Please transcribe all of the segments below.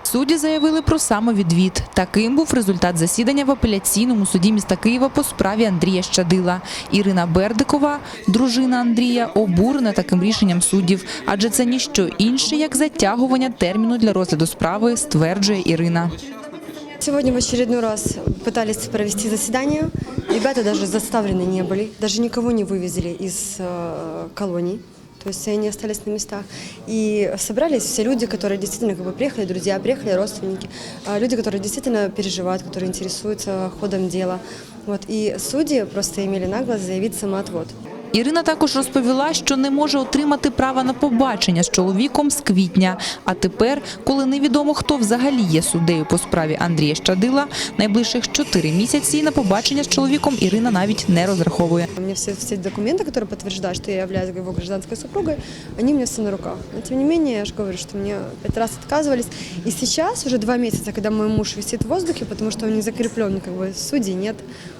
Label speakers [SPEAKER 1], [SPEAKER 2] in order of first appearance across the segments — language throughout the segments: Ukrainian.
[SPEAKER 1] Судді заявили про самовідвід. Таким був результат засідання в апеляційному суді міста Києва по справі Андрія Щадила. Ірина Бердикова, дружина Андрія, обурена таким рішенням суддів, адже це ніщо інше, як затягування терміну для розгляду справи, стверджує Ірина.
[SPEAKER 2] Сегодня в очередной раз пытались провести заседание. Ребята даже заставлены не были, даже никого не вывезли из колоний. То есть они остались на местах. И собрались все люди, которые действительно приехали, друзья, приехали родственники, люди, которые действительно переживают, которые интересуются ходом дела. Вот. И судьи просто имели наглость заявить самоотвод.
[SPEAKER 1] Ірина також розповіла, що не може отримати права на побачення з чоловіком з квітня. А тепер, коли невідомо, хто взагалі є суддею по справі Андрія Щадила, найближчих 4 місяці на побачення з чоловіком Ірина навіть не розраховує.
[SPEAKER 2] У меня все документы, которые подтверждают, что я являюсь его гражданской супругой, они у меня все на руках. Но тем не менее, я же говорю, что мне 5 раз отказывались. И сейчас, уже 2 месяца, когда мой муж висит в воздухе, потому что он не закреплен, судей нет,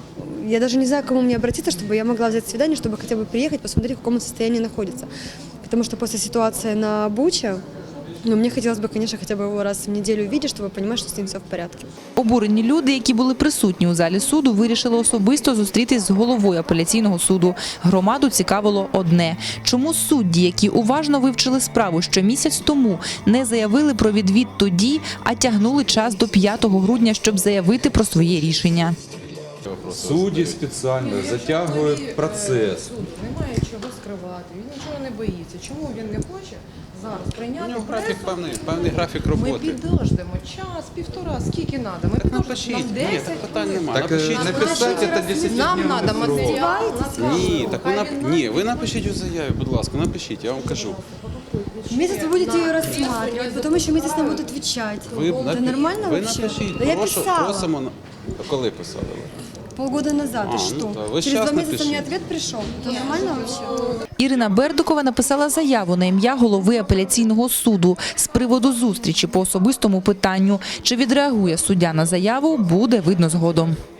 [SPEAKER 2] я даже не знаю, к кому мне обратиться, чтобы я могла взять свидание, чтобы хотя бы приехать, посмотреть, в каком состоянии находится. Потому что после ситуации на Буче, мне хотелось бы, конечно, хотя бы его раз в неделю увидеть, чтобы понимать, что с ним все в порядке.
[SPEAKER 1] Обурені люди, які були присутні у залі суду, вирішили особисто зустрітись з головою апеляційного суду. Громаду цікавило одне – чому судді, які уважно вивчили справу ще місяць тому, не заявили про відвід тоді, а тягнули час до 5 грудня, щоб заявити про своє рішення.
[SPEAKER 3] Судді спеціально затягують процес.
[SPEAKER 4] Суд немає чого скривати, він нічого не боїться. Чому він не хоче зараз прийняти?
[SPEAKER 3] У нього певний графік
[SPEAKER 4] Ми
[SPEAKER 3] роботи.
[SPEAKER 4] підождемо час, півтора, скільки треба. Ми підождемо,
[SPEAKER 3] Напишіть,
[SPEAKER 4] нам
[SPEAKER 3] ні,
[SPEAKER 4] 10
[SPEAKER 3] так питань
[SPEAKER 4] хвилин.
[SPEAKER 3] немає. Так Напишіть, написати це 10
[SPEAKER 4] Нам
[SPEAKER 3] днів.
[SPEAKER 4] треба матеріал.
[SPEAKER 3] Ні, так ні, ви напишіть у заяві, будь ласка, напишіть, я вам кажу.
[SPEAKER 2] Месяц вы будете ее рассматривать, потом еще месяц нам будут отвечать. Это нормально
[SPEAKER 3] ви
[SPEAKER 2] вообще?
[SPEAKER 3] напишіть,
[SPEAKER 2] Да я писала
[SPEAKER 3] просимо. Коли писали ви?
[SPEAKER 2] полгода назад, и
[SPEAKER 3] ну
[SPEAKER 2] что?
[SPEAKER 3] да, вы
[SPEAKER 2] Через
[SPEAKER 3] сейчас
[SPEAKER 2] 2 месяца
[SPEAKER 3] напишите.
[SPEAKER 2] мне ответ пришел. Это нормально вообще?
[SPEAKER 1] Ірина Бердикова написала заяву на ім'я голови апеляційного суду з приводу зустрічі по особистому питанню. Чи відреагує суддя на заяву, буде видно згодом.